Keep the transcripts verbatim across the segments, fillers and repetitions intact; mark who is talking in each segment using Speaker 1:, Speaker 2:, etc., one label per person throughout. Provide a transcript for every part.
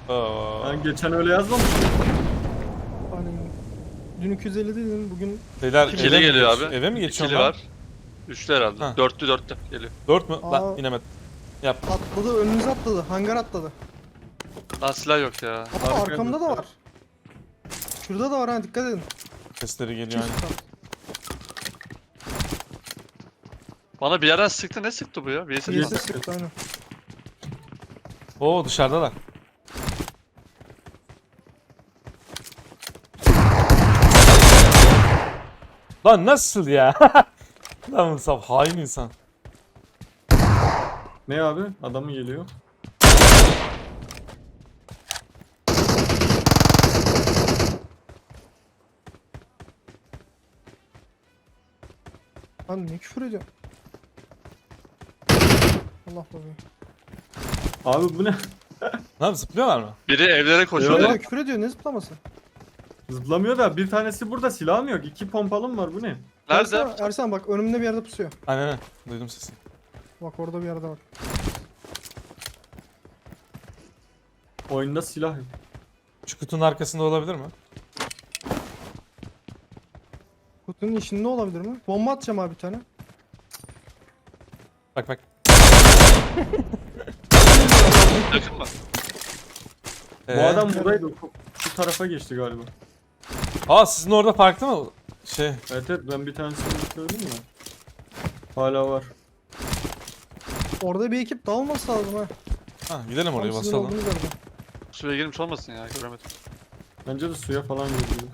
Speaker 1: Aa.
Speaker 2: Ben geçen öyle yazmamıştım.
Speaker 3: Hani dün iki yüz elli dedin, bugün
Speaker 1: Beyler
Speaker 4: İkili
Speaker 1: eve mi
Speaker 4: geliyor
Speaker 1: geç-
Speaker 4: abi.
Speaker 1: Eve mi geçiyorum
Speaker 4: İkili
Speaker 1: ben?
Speaker 4: var. Üçlü herhalde.
Speaker 1: Ha.
Speaker 4: Dörtlü dörtlü geliyor.
Speaker 1: Dört mü?
Speaker 3: Aa.
Speaker 1: Lan inemedim. Yap.
Speaker 3: atladı, önünüze atladı, hangar atladı.
Speaker 4: Lan silah yok ya.
Speaker 3: Aa,
Speaker 2: Arkaya
Speaker 3: arkamda da
Speaker 2: dön.
Speaker 3: var. Şurada da var ha, dikkat edin.
Speaker 1: Sesleri geliyor
Speaker 3: Çift
Speaker 1: aynı.
Speaker 3: kat.
Speaker 4: Bana bir yerden sıktı. Ne sıktı bu ya? Birisi mi?
Speaker 3: Birisi sıktı aynen.
Speaker 1: Oo dışarıdalar. Lan nasıl ya? Lan Musab hain insan.
Speaker 2: Ne abi? Adamı geliyor.
Speaker 3: Lan ne küfür ediyor? Allah babayı.
Speaker 2: Abi bu ne?
Speaker 1: Lan zıplıyorlar mı?
Speaker 4: Biri evlere koşuyor.
Speaker 2: Yok.
Speaker 3: Şöyle
Speaker 4: da-
Speaker 3: küfür ediyor, ne zıplaması?
Speaker 2: Zıplamıyor da bir tanesi burada, silahım yok. İki pompalım var, bu ne?
Speaker 4: Nerede?
Speaker 3: Ersan, Ersan bak önümde bir yerde pusuyor.
Speaker 1: Aynen aynen. Duydum sesi.
Speaker 3: Bak orada bir yerde bak.
Speaker 2: Oyunda silah yok.
Speaker 1: Şu kutunun arkasında olabilir mi?
Speaker 3: Kutunun içinde olabilir mi? Bomba atacağım abi bir tane.
Speaker 1: Bak bak.
Speaker 4: Yakın mı?
Speaker 2: Bu
Speaker 1: Ee?
Speaker 2: adam buradaydı. Şu tarafa geçti galiba.
Speaker 1: Aa sizin orada farklı mı? Şey.
Speaker 2: Evet evet, ben bir tanesini söyledim ya. Hala var.
Speaker 3: Orada bir ekip dağılması lazım ha.
Speaker 1: Ha gidelim oraya
Speaker 3: Tam sizin
Speaker 1: basalım.
Speaker 3: olduğunuz yerde.
Speaker 4: Suya girmiş olmasın ya. Göremedim.
Speaker 2: Bence de suya falan girdi.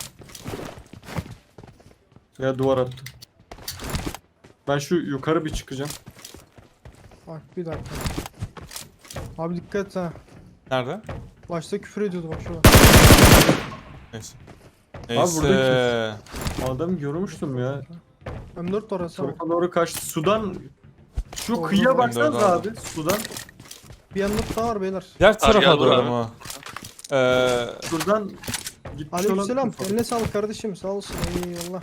Speaker 2: Ya duvar attı. Ben şu yukarı bir çıkacağım.
Speaker 3: Bak bir dakika. Abi dikkat et ha.
Speaker 1: Nerede?
Speaker 3: Başta küfür ediyordu bak şurada.
Speaker 1: Neyse.
Speaker 2: Abi
Speaker 1: Neyse.
Speaker 2: burada Adamı görmüştüm ya.
Speaker 3: M dört de orası ama.
Speaker 2: Tarafa doğru kaçtı. Sudan şu
Speaker 3: Doğru,
Speaker 2: kıyıya
Speaker 3: doğru.
Speaker 2: baksanıza
Speaker 1: Doğru.
Speaker 2: abi. Sudan.
Speaker 3: Bir M dört daha var beyler.
Speaker 1: Diğer
Speaker 4: gel
Speaker 1: tarafa
Speaker 4: buraya.
Speaker 1: doğru mu? Ee,
Speaker 2: Şuradan gitmiş
Speaker 3: Aleykümselam.
Speaker 2: olabilir.
Speaker 3: Eline sağlık kardeşim. Sağ olsun. Eyvallah.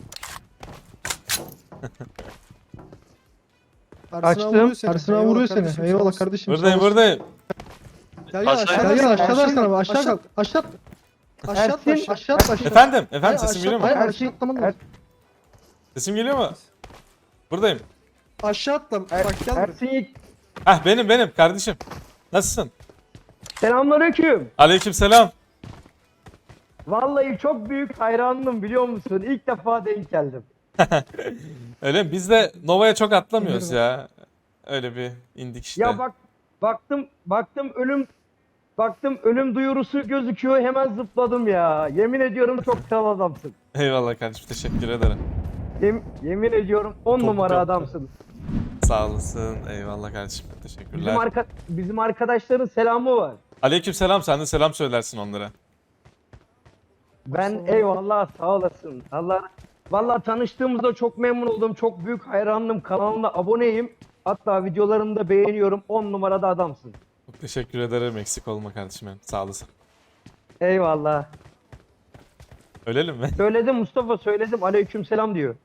Speaker 3: Ersin abi vuruyor seni.
Speaker 5: Ersin abi
Speaker 3: Eyvallah
Speaker 5: vuruyor
Speaker 3: kardeşim,
Speaker 5: seni.
Speaker 3: sağ
Speaker 5: Eyvallah
Speaker 3: olasın.
Speaker 5: kardeşim.
Speaker 1: buradayım
Speaker 5: sağ olasın.
Speaker 1: buradayım.
Speaker 3: Gel gel
Speaker 4: Aşağı-
Speaker 3: aşağı.
Speaker 5: Gel gel aşağı
Speaker 3: aşağı
Speaker 5: Ersin abi aşağı
Speaker 3: aşağı
Speaker 5: kal. Aşağı at.
Speaker 3: aşağı at,
Speaker 5: Ersin
Speaker 3: aşağı.
Speaker 5: aşağı at aşağı.
Speaker 1: Efendim, efendim
Speaker 3: Hayır,
Speaker 1: sesim
Speaker 3: aşağı-
Speaker 1: geliyor mu?
Speaker 5: Hayır
Speaker 3: Aşağı
Speaker 5: Ersin.
Speaker 3: atlaman
Speaker 5: Er-
Speaker 3: lazım.
Speaker 1: Sesim geliyor mu? Buradayım.
Speaker 3: Aşağı atla.
Speaker 5: Er-
Speaker 3: Bak gel.
Speaker 5: Ersin Yiğit.
Speaker 1: Hah benim benim kardeşim. Nasılsın?
Speaker 5: Selamünaleyküm.
Speaker 1: Aleykümselam.
Speaker 5: Vallahi çok büyük hayranım biliyor musun? İlk defa denk geldim.
Speaker 1: Öyle mi? Biz de Nova'ya çok atlamıyoruz
Speaker 3: Bilirim.
Speaker 1: ya. Öyle bir indik işte.
Speaker 5: Ya bak baktım baktım ölüm baktım ölüm duyurusu gözüküyor hemen zıpladım ya. Yemin ediyorum çok kral adamsın.
Speaker 1: Eyvallah kardeşim teşekkür ederim.
Speaker 5: Yem- yemin ediyorum on
Speaker 2: Çok
Speaker 5: numara
Speaker 2: çok-
Speaker 5: adamsın.
Speaker 1: Sağ olasın. Eyvallah kardeşim.
Speaker 5: Bizim
Speaker 1: Teşekkürler.
Speaker 5: arka bizim arkadaşların selamı var.
Speaker 1: Aleykümselam sen de selam söylersin onlara.
Speaker 5: Ben
Speaker 3: Sağ ol.
Speaker 5: eyvallah sağ olasın. Allah vallahi tanıştığımızda çok memnun oldum. Çok büyük hayranım. Kanalına aboneyim. Hatta videolarını da beğeniyorum. on numarada adamsın.
Speaker 1: Çok teşekkür ederim. Eksik olma kardeşim benim. Sağ olasın.
Speaker 5: Eyvallah.
Speaker 1: Ölelim mi?
Speaker 5: Söyledim Mustafa söyledim. Aleykümselam diyor.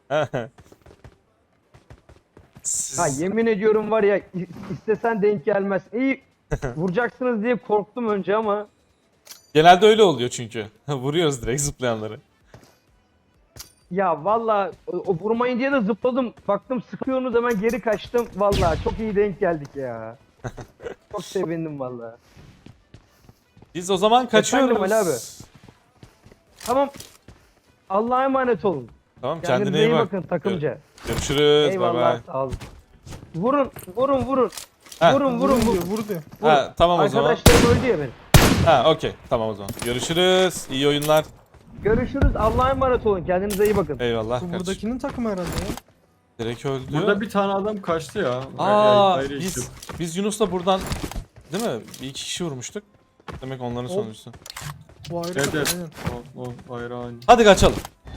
Speaker 1: Siz...
Speaker 5: Ha yemin ediyorum var ya i- istesen denk gelmez. İyi vuracaksınız diye korktum önce ama
Speaker 1: Genelde öyle oluyor çünkü. Vuruyoruz direkt zıplayanları.
Speaker 5: ya vallahi o, o vurmayın diye de zıpladım. Baktım sıkıyorsunuz hemen geri kaçtım. Vallahi çok iyi denk geldik ya. Çok sevindim vallahi.
Speaker 1: Biz o zaman kaçıyoruz.
Speaker 5: Ali abi. Tamam. Allah'a emanet olun.
Speaker 1: Tamam
Speaker 5: Kendinize
Speaker 1: kendine iyi
Speaker 5: iyi
Speaker 1: bak.
Speaker 5: bakın takımca.
Speaker 1: Görüşürüz. Bay
Speaker 5: Eyvallah
Speaker 1: bay.
Speaker 5: sağ olun. Vurun vurun vurun.
Speaker 1: Ha,
Speaker 5: Vurun vurun
Speaker 3: Vur
Speaker 5: vurun.
Speaker 3: diyor, vur diyor.
Speaker 1: Ha, tamam o zaman.
Speaker 5: Arkadaşlarım öldü ya benim.
Speaker 1: Ha okey tamam o zaman. Görüşürüz. İyi oyunlar.
Speaker 5: Görüşürüz. Allah'a emanet olun. Kendinize iyi bakın.
Speaker 1: Eyvallah
Speaker 3: Bu
Speaker 1: kardeşim.
Speaker 3: buradakinin takımı herhalde ya.
Speaker 1: Direkt öldü.
Speaker 2: Burada bir tane adam kaçtı ya.
Speaker 1: Aa
Speaker 2: Ayrı
Speaker 1: biz
Speaker 2: işte.
Speaker 1: biz Yunus'la buradan değil mi? Bir iki kişi vurmuştuk. Demek onların
Speaker 3: O-
Speaker 1: sonuncusu.
Speaker 3: Bu ayrı
Speaker 2: Evet
Speaker 3: takım,
Speaker 2: evet.
Speaker 3: aynen.
Speaker 2: O, o ayrı aynı.
Speaker 1: Hadi kaçalım.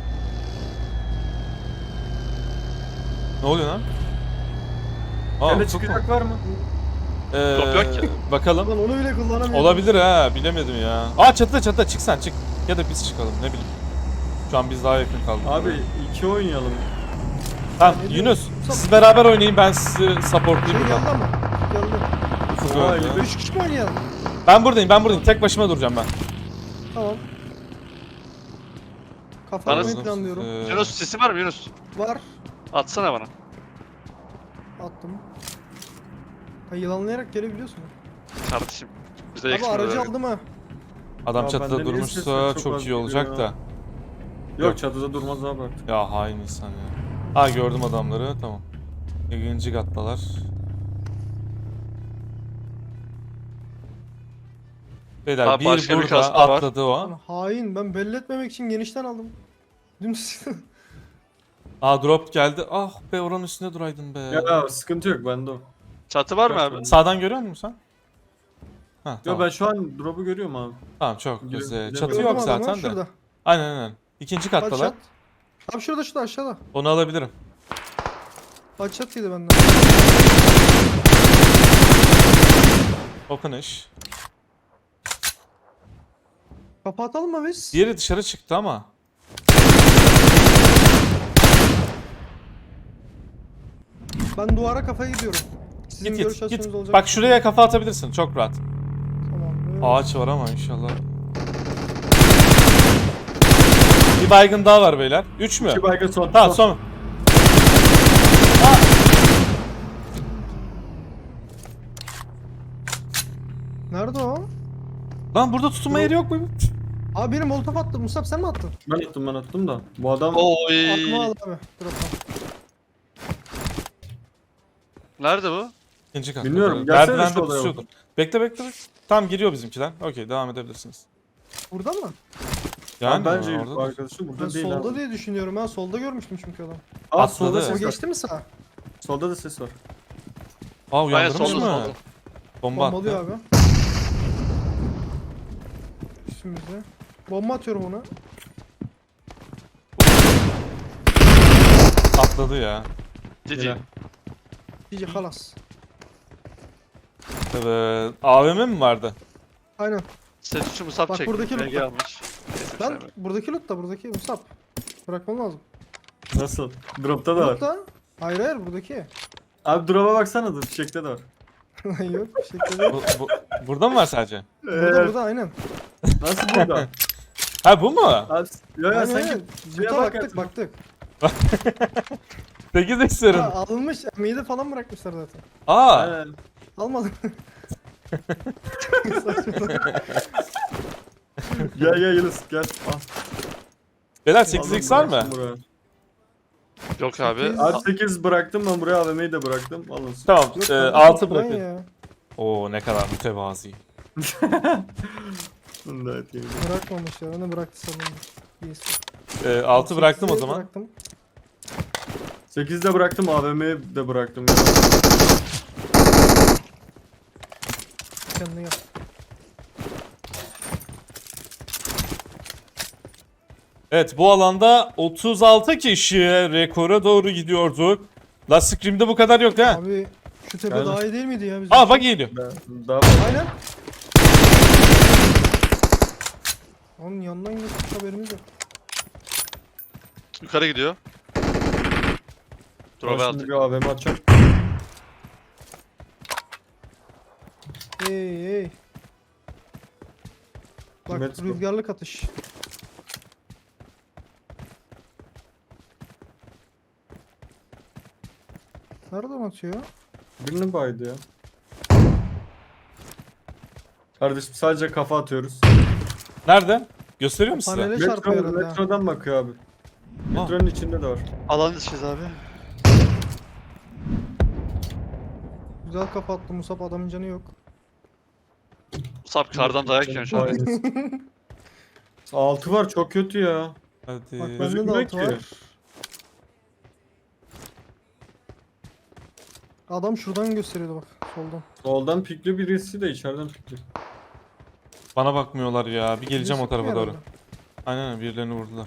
Speaker 1: Ne oluyor lan? Aa,
Speaker 2: Sende
Speaker 1: ufuk mu?
Speaker 2: çıkacak var mı?
Speaker 1: Ee,
Speaker 4: Top yok ki.
Speaker 1: bakalım.
Speaker 3: Ulan onu bile kullanamıyorum.
Speaker 1: Olabilir ha bilemedim ya. Aa çatıda çatıda çık sen çık. Ya da biz çıkalım ne bileyim. Şu an biz daha yakın kaldık.
Speaker 2: Abi iki oynayalım.
Speaker 1: Tamam
Speaker 3: ne
Speaker 1: Yunus
Speaker 3: diyorsun?
Speaker 1: siz beraber oynayın ben sizi
Speaker 3: Şey
Speaker 1: supportlayayım
Speaker 3: geldi
Speaker 1: buradan.
Speaker 3: ama. Geldi.
Speaker 1: Ufuk
Speaker 2: Aa,
Speaker 1: öldü.
Speaker 2: elli beş.
Speaker 3: Üç kişi mi oynayalım?
Speaker 1: Ben buradayım ben buradayım. Tek başıma duracağım ben.
Speaker 3: Tamam.
Speaker 4: Bana-
Speaker 3: Kafalarını planlıyorum.
Speaker 1: Ee,
Speaker 4: Yunus sesi var mı Yunus?
Speaker 3: Var.
Speaker 4: Atsana bana.
Speaker 3: Attım. Ha, yılanlayarak gelebiliyorsun.
Speaker 4: Kardeşim. Bize
Speaker 3: Abi
Speaker 4: ekstra
Speaker 3: aracı
Speaker 4: ver.
Speaker 3: aldım ha.
Speaker 1: Adam
Speaker 2: Ya
Speaker 1: çatıda
Speaker 2: bende niye sesler
Speaker 1: durmuşsa
Speaker 2: çok
Speaker 1: çok
Speaker 2: az
Speaker 1: iyi olacak
Speaker 2: geliyor
Speaker 1: da.
Speaker 2: ya? Yok çatıda durmaz abi artık.
Speaker 1: Ya hain insan ya. Ha gördüm adamları tamam. İkinci kattalar. Beyler
Speaker 4: Abi
Speaker 1: bir
Speaker 4: başka bir
Speaker 1: burada
Speaker 4: kasma var.
Speaker 1: atladı o.
Speaker 3: Lan hain, ben belli etmemek için genişten aldım. Dümdüz.
Speaker 1: Aa drop geldi. Ah be oranın üstünde duraydın be.
Speaker 2: Ya sıkıntı yok bende o.
Speaker 4: Çatı var mı abi?
Speaker 1: Sağdan görüyor musun sen? Ha
Speaker 2: Yo
Speaker 1: tamam.
Speaker 2: ben şu an drop'u görüyorum abi.
Speaker 1: Tamam çok
Speaker 2: Giriyorum,
Speaker 1: güzel.
Speaker 2: giriyorum.
Speaker 1: Çatı
Speaker 3: Gördüm
Speaker 1: yok
Speaker 3: adamı,
Speaker 1: zaten de.
Speaker 3: şurada.
Speaker 1: Aynen aynen. İkinci
Speaker 3: Bak
Speaker 1: kattalar.
Speaker 3: çat. Abi şurada şurada aşağıda.
Speaker 1: Onu alabilirim.
Speaker 3: Bak çat yedi benden.
Speaker 1: Open iş.
Speaker 3: Kapatalım mı biz?
Speaker 1: Diğeri dışarı çıktı ama.
Speaker 3: Ben duvara kafaya gidiyorum. Sizin
Speaker 1: Git
Speaker 3: görüş
Speaker 1: git
Speaker 3: açınız
Speaker 1: git.
Speaker 3: olacak.
Speaker 1: Bak şuraya kafa atabilirsin çok rahat.
Speaker 3: Tamam. evet.
Speaker 1: Ağaç var ama inşallah. Bir baygın daha var beyler. Üç mü?
Speaker 2: İki baygın son.
Speaker 1: Tamam son.
Speaker 3: Nerede o?
Speaker 1: Lan burada tutunma yeri yok mu?
Speaker 3: Abi benim molotof attı. Musab sen mi attın?
Speaker 2: Ben attım ben attım da. Bu adam
Speaker 4: Oy.
Speaker 3: Aklıma al abi. Drop'tan.
Speaker 4: Nerede bu?
Speaker 1: İkinci kat.
Speaker 2: Bilmiyorum, gelsene
Speaker 1: Merdivende
Speaker 2: şu odaya
Speaker 1: pusuyordur. Bekle bekle bekle. Tam giriyor bizimkiler. Okey devam edebilirsiniz.
Speaker 3: Burada mı?
Speaker 1: Yani
Speaker 2: yani bence
Speaker 1: orada
Speaker 2: bu
Speaker 1: da-
Speaker 2: arkadaşı
Speaker 3: Ben
Speaker 2: burada değil
Speaker 3: solda
Speaker 2: abi.
Speaker 3: diye düşünüyorum. Ben solda görmüştüm çünkü adam.
Speaker 2: Aa
Speaker 1: Atladı.
Speaker 2: solda
Speaker 3: O
Speaker 2: ses var.
Speaker 3: geçti mi sağa?
Speaker 2: Solda da ses var.
Speaker 1: Aa
Speaker 4: Aynen
Speaker 1: uyandırmış
Speaker 4: solda
Speaker 1: mı?
Speaker 4: solda.
Speaker 1: Bomba
Speaker 3: Bombalıyor
Speaker 1: attı.
Speaker 3: abi. Üstümüzde. Bomba atıyorum ona.
Speaker 1: Atladı ya.
Speaker 4: Cici.
Speaker 2: Yine.
Speaker 3: Cici halas.
Speaker 1: Evet. A V M mi vardı?
Speaker 3: Aynen.
Speaker 4: Set üçü musab
Speaker 3: Bak
Speaker 4: çekti.
Speaker 3: buradaki
Speaker 4: B G
Speaker 3: loot'ta.
Speaker 4: almış. Neyse,
Speaker 3: Ben
Speaker 4: sevmem.
Speaker 3: buradaki loot da buradaki Musab. Bırakmam lazım.
Speaker 2: Nasıl? Drop'ta da var.
Speaker 3: Loot da. Hayır hayır buradaki.
Speaker 2: Abi drop'a baksana da fişekte de var.
Speaker 3: Lan yok bir şekilde değil.
Speaker 1: Bu, bu- burada mı var sadece?
Speaker 3: Burada burada aynen.
Speaker 2: Nasıl burada?
Speaker 1: Ha bu mu?
Speaker 2: Abi ya ya
Speaker 3: Aynen
Speaker 2: sanki
Speaker 3: aynen.
Speaker 2: şeye
Speaker 3: Loot'a
Speaker 2: bak
Speaker 3: baktık
Speaker 2: ya.
Speaker 3: baktık.
Speaker 1: sekiz istiyorum.
Speaker 3: Ha, alınmış. Emeği de falan bırakmışlar zaten.
Speaker 1: Aa.
Speaker 2: Aynen.
Speaker 3: Almadım.
Speaker 2: Gel gel Yunus gel. Al.
Speaker 1: Beyler sekiz x var mı?
Speaker 2: Bıraktım buraya.
Speaker 4: Yok abi.
Speaker 3: Sekiz.
Speaker 2: Abi sekiz bıraktım ben buraya A V M'yi de bıraktım. Alın.
Speaker 1: Tamam.
Speaker 3: Yok,
Speaker 1: E,
Speaker 3: kardeşim,
Speaker 1: altı
Speaker 3: ben
Speaker 1: bırakın.
Speaker 3: ya.
Speaker 1: Oo ne kadar mütevazi.
Speaker 2: Bunu da atayım.
Speaker 3: Bırakmamış ya. Ben de bıraktı sanırım. Yes.
Speaker 1: E, altı bıraktım o
Speaker 3: Sekizi
Speaker 1: zaman.
Speaker 3: Bıraktım.
Speaker 2: sekiz de bıraktım A V M'yi de bıraktım.
Speaker 3: Kendine gel.
Speaker 1: Evet bu alanda otuz altı kişi rekora doğru gidiyorduk. La Scream'de bu kadar yok ha.
Speaker 3: Abi şu tepe
Speaker 2: Aynen.
Speaker 3: daha iyi değil miydi ya bizim?
Speaker 1: Aa
Speaker 3: için?
Speaker 1: bak geliyor.
Speaker 2: Ben- Daha fazla.
Speaker 3: Aynen. Onun yanından geçtik haberimiz yok.
Speaker 4: Yukarı gidiyor.
Speaker 2: Ben
Speaker 4: Drop'a
Speaker 2: şimdi
Speaker 4: aldık.
Speaker 2: bir A V M atacağım.
Speaker 3: Hey hey. Bak
Speaker 2: Metro.
Speaker 3: rüzgarlık atış. Nereden atıyor?
Speaker 2: Birini baydı ya. Kardeşim sadece kafa atıyoruz.
Speaker 1: Nerede? Gösteriyor musun size?
Speaker 3: Panele çarpıyor
Speaker 2: Metro,
Speaker 3: herhalde. ha.
Speaker 2: metrodan bakıyor abi. Metronun içinde de var.
Speaker 4: Alan dışıyız abi.
Speaker 3: Güzel kafa attı Musab, adamın canı yok.
Speaker 4: Musab kardan dayak yiyorsun şu an.
Speaker 2: Aynen. Altı var çok kötü ya.
Speaker 1: Hadi.
Speaker 3: Bak bende de
Speaker 2: gözükmüyor
Speaker 3: altı
Speaker 2: ki.
Speaker 3: var. Adam şuradan gösteriyordu bak soldan.
Speaker 2: Soldan pikli birisi de içeriden pikli.
Speaker 1: Bana bakmıyorlar ya. Bir geleceğim o
Speaker 3: Birisi
Speaker 1: tarafa
Speaker 3: sıkıyor
Speaker 1: doğru.
Speaker 3: herhalde.
Speaker 1: Aynen öyle, birilerini vurdular.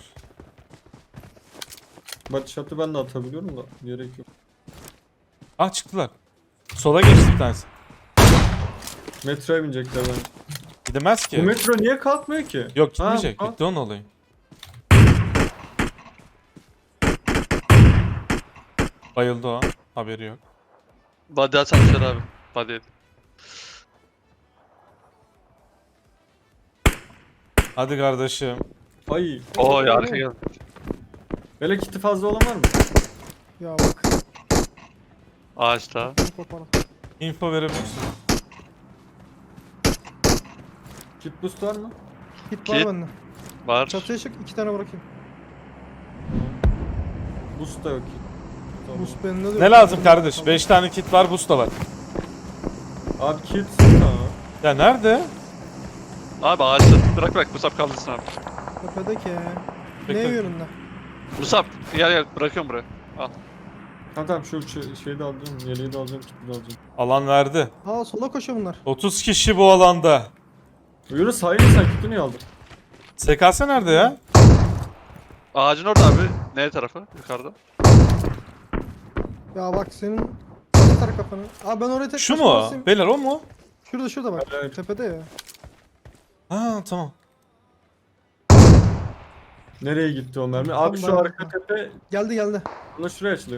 Speaker 2: Bak şatı ben de atabiliyorum da gerek yok.
Speaker 1: Ah çıktılar. Sola geçti bir tanesi.
Speaker 2: Metroya binecekler bence.
Speaker 1: Gidemez
Speaker 2: Bu
Speaker 1: ki.
Speaker 2: metro niye kalkmıyor ki?
Speaker 1: Yok gitmeyecek.
Speaker 2: Ha,
Speaker 1: Bitti onun olayı. Bayıldı o. Haberi yok.
Speaker 4: Body atmışlar abi. Body.
Speaker 1: Hadi kardeşim.
Speaker 2: Ay.
Speaker 4: Oo ya arka geldi.
Speaker 2: Böyle kiti fazla olan var mı?
Speaker 3: Ya bak.
Speaker 4: Ağaçta.
Speaker 3: bunu koparalım.
Speaker 1: Info verebilirsin.
Speaker 2: Kit boost var mı?
Speaker 3: Git var
Speaker 4: Kit.
Speaker 3: bende.
Speaker 4: Var.
Speaker 3: Çatıya çık iki tane bırakayım.
Speaker 2: Boost da yok ki. Tamam.
Speaker 3: Boost bende de yok.
Speaker 1: Ne lazım kardeş? beş tane kit var, boost da var.
Speaker 2: Abi kit. Tamam.
Speaker 1: Ya nerede?
Speaker 4: Abi ağaçta. Bırak bırak Musab kaldırsın abi.
Speaker 3: Tepedeki. Ne
Speaker 1: Bekle.
Speaker 3: yönünde?
Speaker 4: Musab gel gel bırakıyorum buraya. Al.
Speaker 2: Tamam tamam şu şey, şeyi de alacağım. Yeleği de alacağım. Kiti de alacağım.
Speaker 1: Alan verdi.
Speaker 3: Aa sola koşuyor bunlar.
Speaker 1: otuz kişi bu alanda.
Speaker 2: Yunus hayır sen kiti niye aldın?
Speaker 1: S K S nerede ya?
Speaker 4: Ağacın orada abi. Ne tarafı? Yukarıda.
Speaker 3: Ya bak senin atar kafanı. Aa ben oraya tek
Speaker 1: Şu
Speaker 3: başıma
Speaker 1: mu?
Speaker 3: basayım.
Speaker 1: Beyler o mu?
Speaker 3: Şurada şurada bak.
Speaker 2: Hayır, hayır.
Speaker 3: Tepede ya.
Speaker 1: Ha tamam.
Speaker 2: Nereye gitti o mermi? Abi
Speaker 3: Tam
Speaker 2: şu
Speaker 3: ben-
Speaker 2: arka tepe.
Speaker 3: Geldi geldi.
Speaker 2: Buna şuraya açılıyor.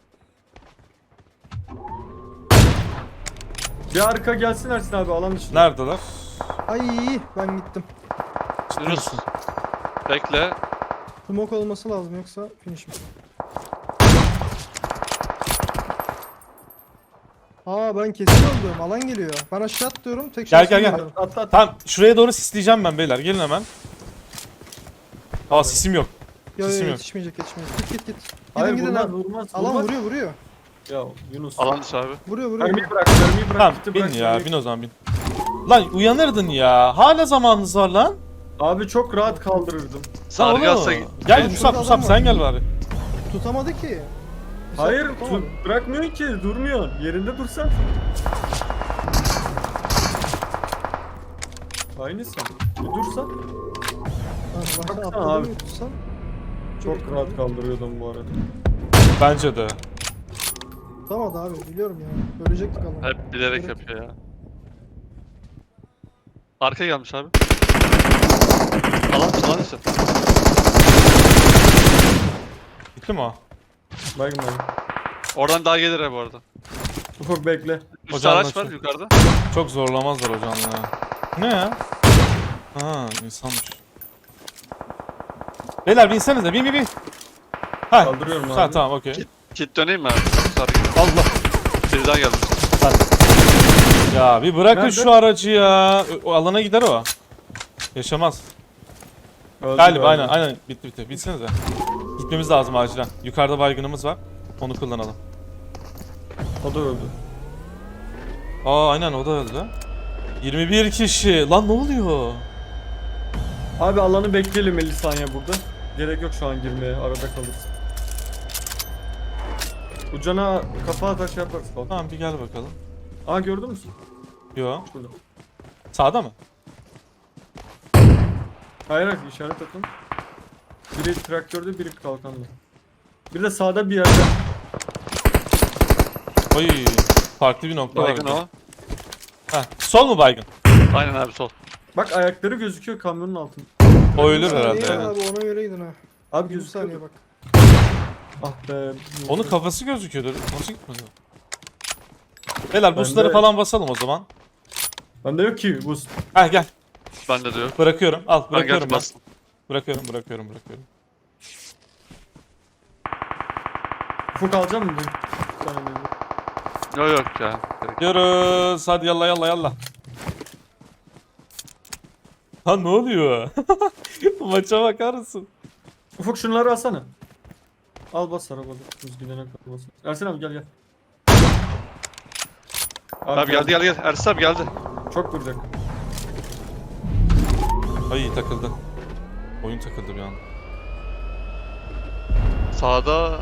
Speaker 2: Bir arka gelsin Ersin abi alan dışında.
Speaker 1: Neredeler?
Speaker 3: Ay ben gittim.
Speaker 4: Yunus. Bekle.
Speaker 3: Smoke olması lazım yoksa finish mi? Aa ben kesin öldüm. Alan geliyor. Ben aşağı atlıyorum. Tek
Speaker 1: Gel,
Speaker 3: şansım
Speaker 1: gel, gel.
Speaker 3: geliyor.
Speaker 2: Atla atla.
Speaker 1: Tamam şuraya doğru sisleyeceğim ben beyler. Gelin hemen. Aa sisim yok.
Speaker 3: Yo yo
Speaker 1: Sesim yok.
Speaker 3: yetişmeyecek yetişmeyecek. Git git git. Gidin
Speaker 2: Hayır
Speaker 3: gidin
Speaker 2: vurmaz
Speaker 3: abi.
Speaker 2: vurmaz.
Speaker 3: Alan
Speaker 2: vurmaz.
Speaker 3: vuruyor vuruyor.
Speaker 2: Ya Yunus.
Speaker 4: Alan dışı abi.
Speaker 3: Vuruyor vuruyor.
Speaker 2: Mermiyi bırak mermiyi bırak.
Speaker 1: Tamam
Speaker 2: kiti
Speaker 1: bin
Speaker 2: bırak,
Speaker 1: ya
Speaker 2: mermiyi-
Speaker 1: bin o zaman bin. Lan uyanırdın ya. Hala zamanınız var lan.
Speaker 2: Abi çok rahat kaldırırdım.
Speaker 1: Lan
Speaker 4: Sargı
Speaker 1: oğlum.
Speaker 4: alsa
Speaker 1: Gel
Speaker 3: Oğlum,
Speaker 1: Musab
Speaker 3: şurada
Speaker 1: Musab
Speaker 3: adam
Speaker 1: sen
Speaker 3: var.
Speaker 1: gel bari.
Speaker 3: Tutamadı ki. Bir
Speaker 2: Hayır
Speaker 3: saat tutamadı.
Speaker 2: tu- bırakmıyor ki durmuyor. Yerinde dursan. Aynısın. Bir dursan.
Speaker 3: Ha, bak sen
Speaker 2: Baksana
Speaker 3: atladın
Speaker 2: abi.
Speaker 3: mı tutsan.
Speaker 2: Çok rahat kaldırıyordum bu arada.
Speaker 1: Bence de.
Speaker 3: Tutamadı abi biliyorum ya. Ölecektik alan.
Speaker 4: hep bilerek
Speaker 3: Evet.
Speaker 4: yapıyor ya. Arka gelmiş abi. Alan dışı alan dışı.
Speaker 1: Gitti mi o?
Speaker 2: Baygın baygın.
Speaker 4: Oradan daha gelir ha bu arada.
Speaker 2: Ufak bekle.
Speaker 4: Üst
Speaker 1: Hocam
Speaker 4: araç var
Speaker 1: nasıl?
Speaker 4: yukarıda.
Speaker 1: Çok zorlamazlar hocam ya. Ne ya? Ha insanmış. Beyler binsenize bin bin bin. Ha.
Speaker 2: Kaldırıyorum abi.
Speaker 1: Ha tamam okey.
Speaker 4: Kit, kit döneyim mi abi? Sargı.
Speaker 1: Allah.
Speaker 4: Biri daha gelmiş.
Speaker 1: Ya bir bırakın
Speaker 2: Nerede?
Speaker 1: şu aracı ya. O o alana gider o. Yaşamaz.
Speaker 2: Öldü
Speaker 1: Galiba
Speaker 2: galiba.
Speaker 1: aynen aynen bitti bitti. Binsenize. Gitmemiz lazım acilen. Yukarıda baygınımız var. Onu kullanalım.
Speaker 2: O da öldü.
Speaker 1: Aa aynen o da öldü. yirmi bir kişi. Lan ne oluyor?
Speaker 2: Abi alanı bekleyelim elli saniye burada. Gerek yok şu an girmeye. Arada kalırız. Ucana kafa atar şey yaparız. Bak.
Speaker 1: Tamam bir gel bakalım.
Speaker 2: Aa gördün mü?
Speaker 1: Yo.
Speaker 2: Şurada.
Speaker 1: Sağda mı?
Speaker 2: Hayır hayır işaret atın. Biri traktörde biri kalkanda. Bir de sağda bir yerde.
Speaker 1: Oy. Farklı bir nokta
Speaker 4: Baygın
Speaker 1: var.
Speaker 4: o.
Speaker 1: Heh. Sol mu baygın?
Speaker 4: Aynen abi sol.
Speaker 2: Bak ayakları gözüküyor kamyonun altında.
Speaker 1: O ölür
Speaker 3: Bir
Speaker 1: herhalde
Speaker 3: saniye
Speaker 1: ya.
Speaker 3: Abi ona göre gidin ha.
Speaker 2: Abi
Speaker 3: Bir
Speaker 2: gözüküyor.
Speaker 3: saniye bak.
Speaker 2: Ah be.
Speaker 1: Onun kafası gözüküyordu. Nasıl gitmedi? Beyler boostları
Speaker 2: Bende-
Speaker 1: falan basalım o zaman.
Speaker 2: Bende yok ki boost.
Speaker 1: Heh gel.
Speaker 4: Bende de yok.
Speaker 1: Bırakıyorum. Al
Speaker 4: Ben
Speaker 1: bırakıyorum
Speaker 4: geldim
Speaker 1: ben.
Speaker 4: bastım.
Speaker 1: Bırakıyorum bırakıyorum bırakıyorum.
Speaker 2: Ufuk alacak mısın? Bir tane de.
Speaker 4: Yok yok ya. Gerek.
Speaker 1: Gidiyoruz. Hadi yallah yallah yallah. Ha ne oluyor? Maça bakar mısın?
Speaker 2: Ufuk şunları alsana. Al bas arabada. Biz gidene kadar bas. Ersin abi gel gel.
Speaker 4: Abi geldi geldi geldi. Ersin abi geldi.
Speaker 2: Çok vuracak.
Speaker 1: Ay takıldı. Oyun takıldı bir an.
Speaker 4: Sağda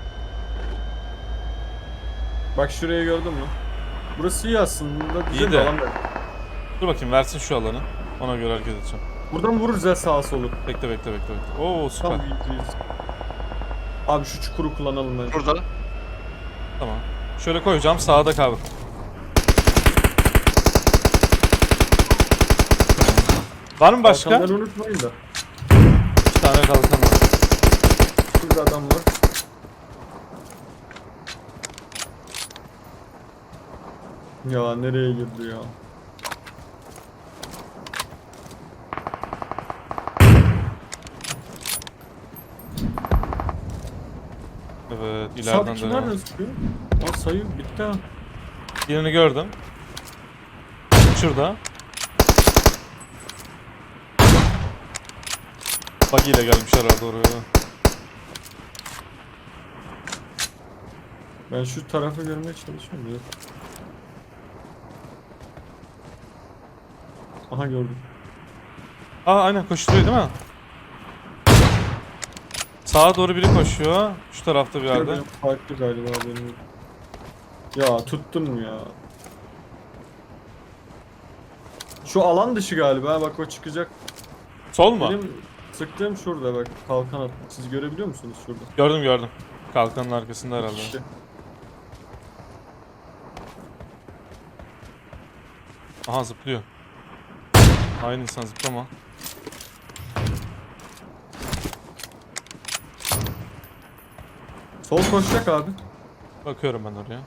Speaker 2: Bak şurayı gördün mü? Burası iyi aslında. Güzel
Speaker 1: İyi
Speaker 2: bir
Speaker 1: de.
Speaker 2: alan da.
Speaker 1: Dur bakayım versin şu alanı. Ona göre hareket edeceğim.
Speaker 2: Buradan vururuz ya sağa solu.
Speaker 1: Bekle bekle bekle bekle. Oo süper.
Speaker 2: Tam iyiyiz. Abi şu çukuru kullanalım bence.
Speaker 4: burada.
Speaker 1: Tamam. Şöyle koyacağım sağda kalır. Var mı başka?
Speaker 2: Kalkanları unutmayın da.
Speaker 1: Bir tane kalkan var.
Speaker 2: Şurada adam var. Ya nereye girdi ya?
Speaker 1: Evet, ileriden
Speaker 2: Sağdaki
Speaker 1: dönelim.
Speaker 2: nereden sıkıyor? Aa sayı bitti ha.
Speaker 1: Birini gördüm. Şurada. Buggy ile gelmiş herhalde oraya.
Speaker 2: Ben şu tarafı görmeye çalışıyorum. Yok. Aha gördüm.
Speaker 1: Aa aynen koşturuyor değil mi? Sağa doğru biri koşuyor. Şu tarafta bir yerde.
Speaker 2: Gördüm. Farklı galiba benim. Ya tuttun mu ya? Şu alan dışı galiba, bak o çıkacak.
Speaker 1: Sol mu?
Speaker 2: Benim sıktığım şurada bak, kalkan attı. Siz görebiliyor musunuz şurada?
Speaker 1: Gördüm gördüm. Kalkanın arkasında herhalde.
Speaker 2: İşte.
Speaker 1: Aha zıplıyor. Aynı insan zıplama.
Speaker 2: Sol koşacak abi.
Speaker 1: Bakıyorum ben oraya.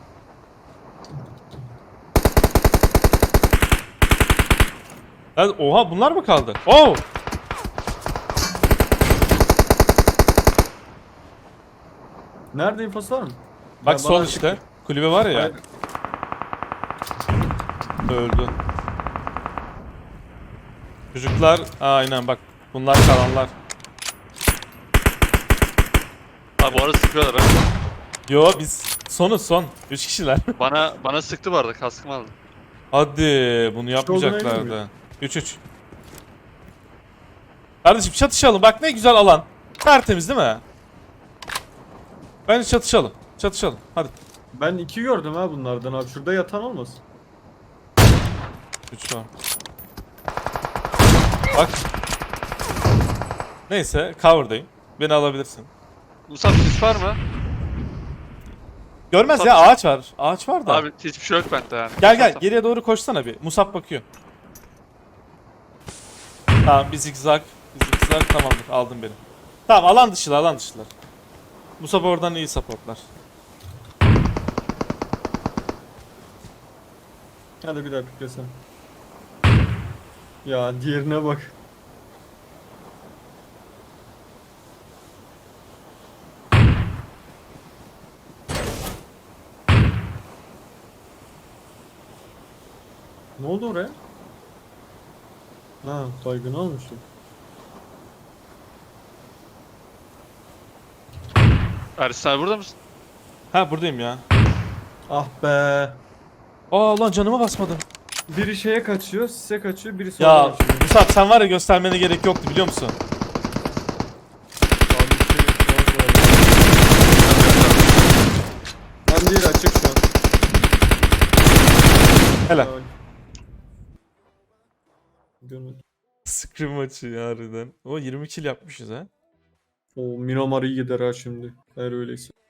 Speaker 1: Evet, oha bunlar mı kaldı? Oo!
Speaker 2: Nerede infosu var mı?
Speaker 1: Bak
Speaker 2: Ya
Speaker 1: sol
Speaker 2: bana
Speaker 1: işte.
Speaker 2: çıktı.
Speaker 1: Kulübe var ya.
Speaker 2: Hayır.
Speaker 1: Öldü. Çocuklar aynen bak. Bunlar kalanlar.
Speaker 4: Abi bu arada sıkıyorlar ha.
Speaker 1: Yo biz sonuz son. Üç kişiler.
Speaker 4: Bana bana sıktı bu arada, kaskım aldı.
Speaker 1: Hadi bunu
Speaker 2: olduğuna
Speaker 1: yapmayacaklardı.
Speaker 2: emin
Speaker 1: üç üç. Kardeşim çatışalım. Bak ne güzel alan. Tertemiz değil mi? Bence çatışalım. Çatışalım. Hadi.
Speaker 2: Ben iki gördüm ha bunlardan abi. Şurada yatan olmasın?
Speaker 1: üç var. Bak. Neyse cover'dayım. Beni alabilirsin.
Speaker 4: Musab sis var mı?
Speaker 1: Görmez
Speaker 4: Tabii.
Speaker 1: ya ağaç var. Ağaç var da.
Speaker 4: Abi hiçbir şey yok bende yani.
Speaker 1: Gel gel geriye doğru koşsana bir. Musab bakıyor. Tamam bir zigzag. Bir zigzag tamamdır. Aldım beni. Tamam alan dışılar alan dışılar. Musab oradan iyi supportlar.
Speaker 2: Hadi bir daha piklesen. Ya diğerine bak. Ne oldu oraya? Ha, baygın olmuşum.
Speaker 4: Ersin abi burada mısın?
Speaker 1: Ha buradayım ya.
Speaker 2: Ah be.
Speaker 1: Aa lan canıma basmadım.
Speaker 2: Biri şeye kaçıyor, size kaçıyor, biri sola
Speaker 1: Ya
Speaker 2: kaçıyor.
Speaker 1: Musab sen var ya göstermene gerek yoktu biliyor musun?
Speaker 2: Abi bir şey yok, var, var. Tam değil, açık şu an.
Speaker 1: Helal.
Speaker 2: Ay. Görmedim.
Speaker 1: Scrim maçı ya harbiden. O yirmi kill yapmışız ha.
Speaker 2: O Miramar iyi gider ha şimdi. Eğer öyleyse.